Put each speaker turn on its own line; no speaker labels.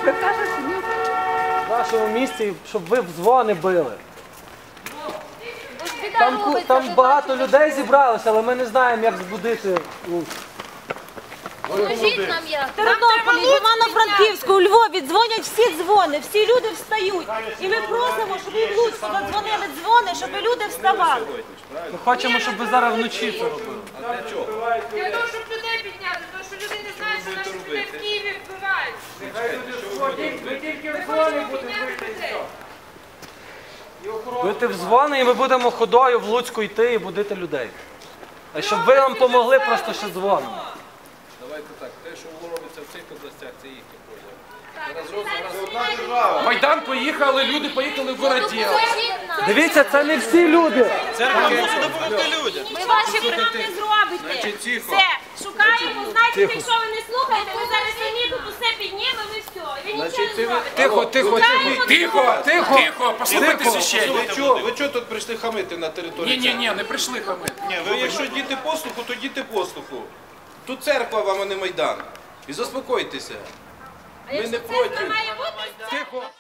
Ви кажете, ні.
В вашому місті, щоб ви в дзвони били. Там багато людей зібралося, але ми не знаємо, як збудити Луцьк.
Покажіть нам як.
В Тернополі, в Івано-Франківську, у Львові дзвонять всі дзвони, всі люди встають. І ми просимо, щоб і в Луцьку задзвонили дзвони, щоб люди вставали.
Ми хочемо, щоб ви зараз вночі це робили.
Для того, щоб людей підняти, тому що люди не знають, що наших людей в Києві вбивають.
Ви тільки в дзвони будете бити.
Бити в дзвони, і ми будемо ходою в Луцьку йти і будити людей. А щоб ви нам допомогли просто ще дзвоном.
Давайте так, те, що робиться в цих областях, це їхня проблема.
Майдан поїхали, люди поїхали в Городіл.
Дивіться, це не всі люди.
Церква мусить допомогти людям.
Ми ваші пригоди зробите. Все, шукаємо, знаєте, якщо ви не слухаєте, ми зараз самі тут усе піднімемо і все. Ви нічого не зробите.
Тихо, тихо, тихо, тихо, тихо, тихо, послухайте священника.
Ви чого тут прийшли хамити на території церкви?
Ні, не прийшли хамити.
Ні, ви якщо діти послуху, то діти послуху. Тут церква вам, а не Майдан. І заспокойтеся.
А якщо
не
церква
проти.
має бути,
Тихо.